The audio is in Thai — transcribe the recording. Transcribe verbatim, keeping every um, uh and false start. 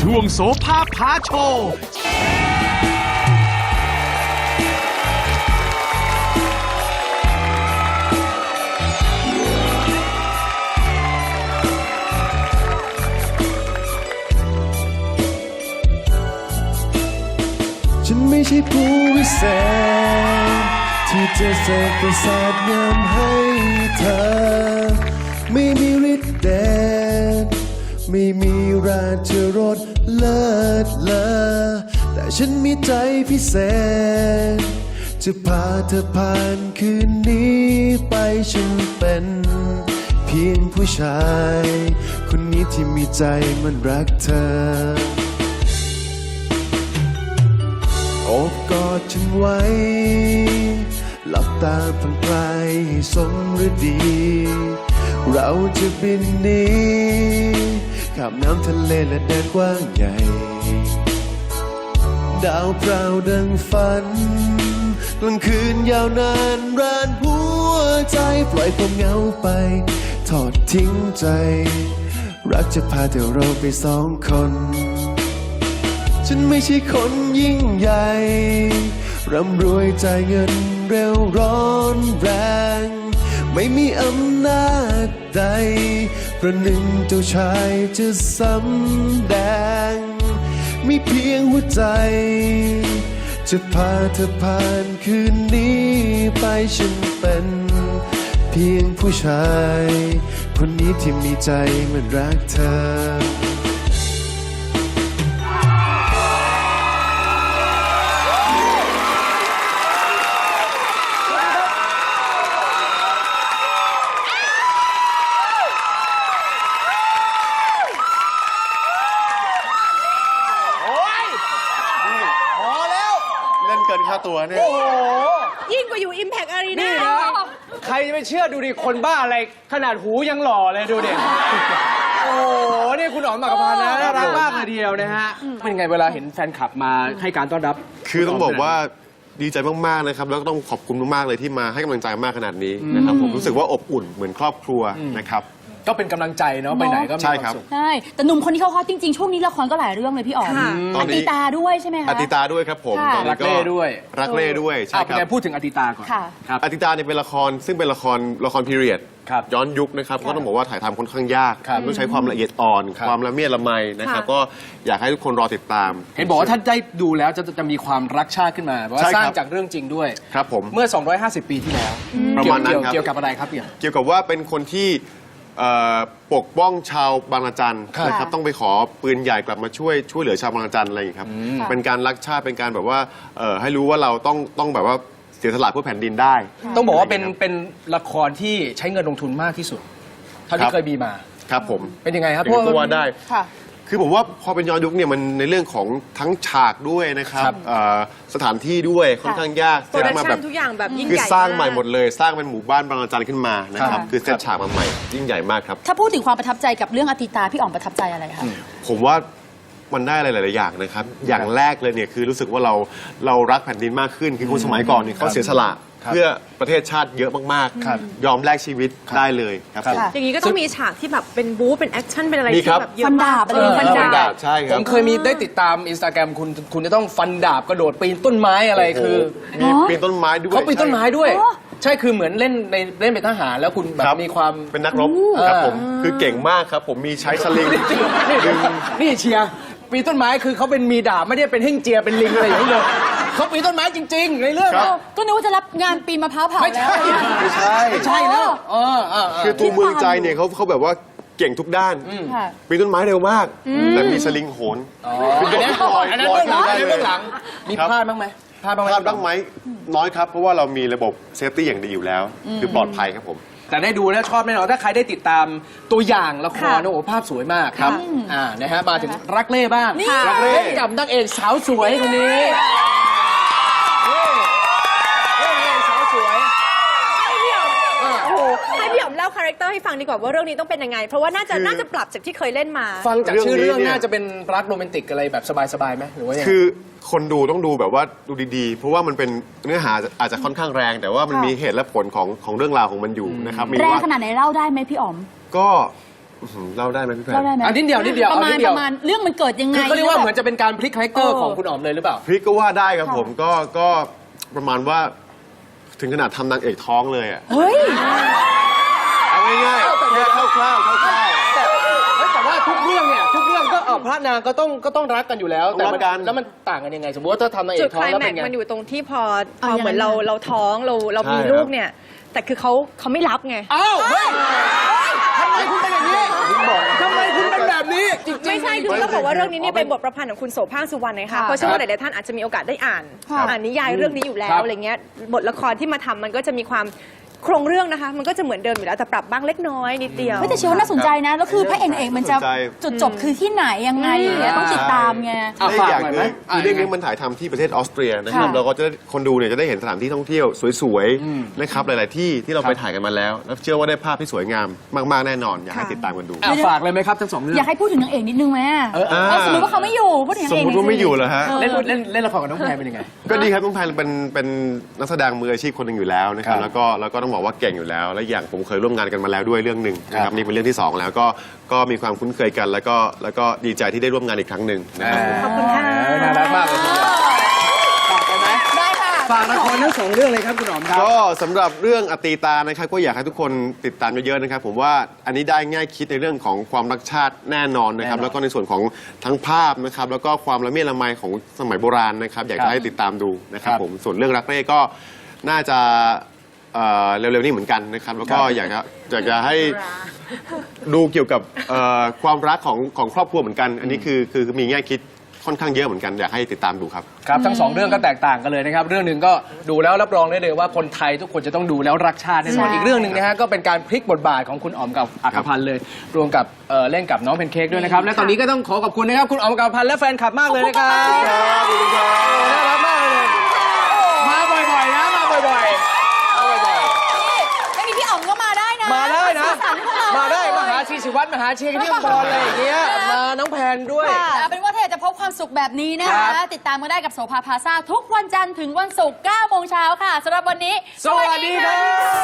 ช่วงโสภาพาโชว์ฉันไม่ใช่ผู้วิเศษที่จะเสกประสาทงามให้เธอไม่มีฤทธิ์เดชไม่มีราชรสเลิศเลอแต่ฉันมีใจพิเศษจะพาเธอผ่านคืนนี้ไปฉันเป็นเพียงผู้ชายคนนี้ที่มีใจมันรักเธอโอบกอดฉันไว้หลับตาผ่อนคลายให้สมฤดีเราจะบินหนีข้ามน้ำทะเลและแดนกว้างใหญ่ดาวพราวดังฝันกลางคืนยาวนานร้านหัวใจปล่อยความเหงาไปทอดทิ้งใจรักจะพาเธอเราไปสองคนฉันไม่ใช่คนยิ่งใหญ่ร่ำรวยจ่ายเงินเร็วร้อนแรงไม่มีอำนาจใดประหนึ่งเจ้าชายจะสำแดงมีเพียงหัวใจจะพาเธอผ่านคืนนี้ไปฉันเป็นเพียงผู้ชายคนนี้ที่มีใจมันรักเธอเล่นเกินค่าตัวเนี่ยโอ้โหยิ่งกว่าอยู่ Impact Arena นี่นะใครจะไปเชื่อดูดิคนบ้าอะไรขนาดหูยังหล่อเลยดูดิโอ้โหนี่คุณอ๋อมหมากพานนะน่ารักมากเลยทีเดียวนะฮะเป็นไงเวลาเห็นแฟนคลับมาให้การต้อนรับคือต้องบอกว่าดีใจมากๆนะครับแล้วก็ต้องขอบคุณมากๆเลยที่มาให้กำลังใจมากขนาดนี้นะครับผมรู้สึกว่าอบอุ่นเหมือนครอบครัวนะครับก็เป็นกำลังใจเนาะไปไหนก็มีใช่ความครับสุขใช่แต่หนุ่มคนนี้เขาฮอตจริงๆ ช่วงนี้ละครก็หลายเรื่องเลยพี่อ๋อมค่ะตอนนี้อติตาด้วยใช่ไหมคะอติตาด้วยครับผมค่ะตอนนี้รักเล่ด้วยรักเล่ด้วยใช่อ่ะคเป็นรับไงพูดถึงอติตาก่อนค่ะครับอติตาเนี่ยเป็นละครซึ่งเป็นละครละครพีเรียดครับย้อนยุคนะครับก็ต้องบอกว่าถ่ายทำค่อนข้างยากครับต้องใช้ความละเอียดอ่อนครับความละเมียดละไมนะครับค่ะก็อยากให้ทุกคนรอติดตามเห็นบอกว่าถ้าได้ดูแล้วจะจะมีความรักชาติขึ้นมาเพราะว่าใช่สครับร้างจากเรื่องจริงด้วยครับผมเมื่อ สองร้อยห้าสิบ ปีที่แล้วประมาณนั้นเกี่ยวครับเกี่ยวกับอะไรครับพี่อ๋อมเกี่ยวกับว่าเป็นคนที่เอ่อปกป้องชาวบางระจันครับนะครับต้องไปขอปืนใหญ่กลับมาช่วยช่วยเหลือชาวบางระจันอะไรอย่างนี้ครับเป็นการรักชาติเป็นการแบบว่าเอ่อให้รู้ว่าเราต้องต้องแบบว่าเสียสละเพื่อแผ่นดินได้ต้องบอกว่าเป็นเป็นละครที่ใช้เงินลงทุนมากที่สุดเท่าที่เคยมีมาครับผมเป็นยังไงครับอย่างนั้นก็ว่าได้ค่ะคือผมว่าพอเป็นย้อนยุคเนี่ยมันในเรื่องของทั้งฉากด้วยนะครับครับเอ่อสถานที่ด้วยค่อนข้างยากโปรดักมาชั่แบนบทุกอย่างแบบยิ่งคือใหญ่สร้างใหม่กหมดเลย สร้างเป็นหมู่บ้านบางระจันขึ้นมานะครับครับคือเซตฉากมาใหม่ยิ่งใหญ่มากครับถ้าพูดถึงความประทับใจกับเรื่องอติตาพี่อ๋อมประทับใจอะไรคะผมว่ามันได้อะไรหลาย ๆ อย่างนะครับ อย่างแรกเลยเนี่ยคือรู้สึกว่าเราเรารักแผ่นดินมากขึ้น คือคนสมัยก่อนเนี่ยเขาเสียสละครับเพื่อประเทศชาติเยอะมากครับๆ ยอมแลกชีวิตได้เลยครับผมค่ะอย่างนี้ก็ต้องมีฉากที่แบบเป็นบู๊เป็นแอคชั่นเป็นอะไรมีที่ครับแบบเยอะฟันดามากบอะไรอย่างเงี้ยฟันฟันดาดาบบใช่คผรับมเคยมีได้ติดตามอินสตาแกรมคุณคุณจะต้องฟันดาบกระโดดปีนต้นไม้อะไรคือมีปีนต้นไม้ด้วยเขาปีนต้นไม้ด้วยอ๋อใช่คือเหมือนเล่นในเล่นเป็นทหารแล้วคุณแบครับ บมีความเป็นนักรบครับผมคือเก่งมากครับ ผมมีใช้สลิงนี่นี่เชียร์ปีนต้นไม้คือเขาเป็นมีดาบไม่ได้เป็นเฮ่งเจียเป็นลิงอะไรอย่างนี้เลยเขาปีนต้นไม้จริง ๆ ในเรื่องครับอะก็นึกว่าจะรับงานปีนมะพร้าวเผาไม่แล้วใช่ไม่ใช่ไม่ใช่แล้วเออเออเออคือตัวเมืองใจเนี่ยเขาเขาแบบว่าเก่งทุกด้านค่ะปีนต้นไม้เร็วมาก แต่มีสลิงโหนอ๋ออันนั้นอันนั้นเบื้องหลังอันนั้นเบื้องหลังมีครับพลาดบ้างไหมพลาดบ้างไหมพลาดบ้างไหมน้อยครับ เพราะว่าเรามีระบบเซฟตี้อย่างดีอยู่แล้ว คือปลอดภัยครับผมแต่ได้ดูแล้วชอบแน่นอนถ้าใครได้ติดตามตัวอย่างละครค่ะนะโอ้โหภาพสวยมากครับอ่านะฮะมาถึงรักเล่บ้างนี่รักเล่กับนางเอกสาวสวยคนนี้นี่นี่นางเอกสาวสวยให้พี่อ๋อมโอ้โหให้พี่อ๋อมเล่าคาแรคเตอร์ให้ฟังดีกว่าว่าเรื่องนี้ต้องเป็นยังไง เพราะว่าน่าจะคือน่าจะปรับจากที่เคยเล่นมาฟังจากเรื่องชื่อเรื่องนี้เนี่ยน่าจะเป็นรักโรแมนติกอะไรแบบสบายๆไหมหรือว่ายังไงคือคนดูต้องดูแบบว่าดูดีๆ เพราะว่ามันเป็นเนื้อหาอาจจะค่อนข้างแรง แต่ว่ามันมีเหตุและผลของของเรื่องราวของมันอยู่นะครับมีแรงว่าขนาดไหนเล่าได้ไหมพี่อ๋อมก็อื้อหือเล่าได้ไหมพี่แพรเล่าได้ไหมอันนิดเดียวนิดเดียวประเอามานิณดเดีปยวระมาณเรื่องมันเกิดยังไงคือเขาเรียกว่าเหมือนแบจะเป็นการพลิกคาแรคเตอร์เออของคุณอ๋อมเลยหรือเปล่าพริกก็ว่าได้ครับผมก็ก็ประมาณว่าถึงขนาดทำนางเอกท้องเลยอ่ะเฮ้ยเอาง่ายๆแค่คร่าวๆคร่าวๆแต่เฮ้ยแต่ว่าทุกเรื่องเนี่ยทุกเรื่องก็เออพระนางก็ต้องก็ต้องรักกันอยู่แล้วแต่รักกันแล้วมันต่างกันยังไง สมมติว่าถ้าทำนางเอจุดกท้อไคงลแล้วแม็เป็กนไงซ์มันอยู่ตรงที่พอพเอาอยังไงเหมือนเราเราท้องเราเรามีใช่ลูกเนี่ย แต่คือเขาเขาไม่รับไงอ้าวเฮ้ยทำไมคุณเป็นอย่างนี้ทำไมคุณเป็นแบบนี้จริงๆไม่ใช่คือต้องบอกว่าเรื่องนี้เนี่ยเป็นบทประพันธ์ของคุณโสภาคสุวรรณนะคะค่ะเพราะเชื่อว่าหลายๆท่านอาจจะมีโอกาสได้อ่านค่ะอ่านนิยายเรื่องนี้อยู่แล้ครัวบอะไรเงี้ยบทละครที่มาทำมันก็จะมีความโครงเรื่องนะคะ มันก็จะเหมือนเดิมอยู่แล้วแต่ปรับบ้างเล็กน้อยนิดเดียวเฮ้ยแต่เชื่อว่าน่าสนใจนะ แล้วคือพระเอกนางเอกมันจะน่าสนใจจุดจบคือที่ไหนยังไงอย่างเงี้ยต้องติดตามไงอ่ะและอีกอย่างฝากหน่อยหไหมนึงคือเรื่องนี้มันถ่ายทำที่ประเทศออสเตรียนะครับค่ะเราก็จะได้คนดูเนี่ยจะได้เห็นสถานที่ท่องเที่ยวสวยๆนะครับหลาย ๆ ที่ที่เราไปถ่ายกันมาแล้ว แล้วเชื่อว่าได้ภาพที่สวยงามมากๆแน่นอนอยากให้ติดตามกันดูอ่ะฝากเลยไหมครับทั้งสองเรื่องอยากให้พูดถึงนางเอกนิดนึงไหมเออเออสมมติว่าเขาไม่อยู่พูดถึงนางสมเอกมติว่าไม่อยู่เหรอฮะเล่นเล่นเล่นละครกับน้องแพรเป็นยังไงก็ดีครับน้องแพนเป็นเป็นนักแสดงมืออาชีพคนหนึ่งอยู่แล้วนะครับครับแล้วก็แล้วก็ต้องบอกว่าเก่งอยู่แล้ว และอย่างผมเคยร่วมงานกันมาแล้วด้วยเรื่องหนึ่งนะคครัรับบ นี่เป็นเรื่องที่สองแล้วก็ก็มีความคุ้นเคยกัน แล้วก็แล้วก็ดีใจที่ได้ร่วมงานอีกครั้งหนึ่งนะครับขอบคุณค่ะเออน่ารักมากเลยฝากไปไหมได้ค่ะฝากละครทั้งสองเรื่องเลยครับคุณหอมครับก็สำหรับเรื่องอตีตานะครับก็อยากให้ทุกคนติดตามเยอะๆนะครับ ผมว่าอันนี้ได้ง่ายคิดในเรื่องของความรักชาติแน่นอนนะครับแน่นอนแล้วก็ในส่วนของทั้งภาพนะครับ แล้วก็ความละเมียดละไมของสมัยโบราณนะครับ อยากครัจะบให้ติดตามดูนะครับครับผมส่วนเรื่องรักเร่ก็น่าจะเอ่อเร็วๆนี้เหมือนกันนะครับ แล้วก็ครับอยากจะอยากจะให้ดูเกี่ยวกับเอ่อความรักของของครอบครัวเหมือนกัน อันนี้คือคือมีแง่คิดค่อนข้างเยอะเหมือนกันอยากให้ติดตามดูครับครับทั้งสองเรื่องก็แตกต่างกันเลยนะครับ เรื่องหนึ่งก็ดูแล้วรับรองได้เลยว่าคนไทยทุกคนจะต้องดูแล้วรักชาติแน่นอนใช่อีกเรื่องหนึ่งนะฮะก็เป็นการพลิกบทบาทของคุณอ๋อมกับอัครพันธ์เลย รวมกับเอ่อเล่นกับน้องเพนเค้กด้วยนะครับและตอนนี้ก็ต้องขอขอบคุณนะครับคุณอ๋อมกับอัครพันธ์และแฟนคลับมากเลยนะครับน่ารักมากเลยมาบ่อยๆนะมาบ่อยๆมาบ่อยไม่มีพี่อ๋อมก็มาได้นะๆมาได้นะสีสันพวกเรามาได้มาหาชีศิวัตรมาหาเชียร์กันที่บอลอะไรอย่างเงี้ยมาน้องแพนด้วยค่ะเอาเป็นว่าถ้าอยากจะพบความสุขแบบนี้นะครัคะบติดตามกันได้กับโสภาพลาซ่าทุกวันจันทร์ถึงวันศุกร์เก้าโมงเช้าค่ะสำหรับวันนี้สวัสดีครับ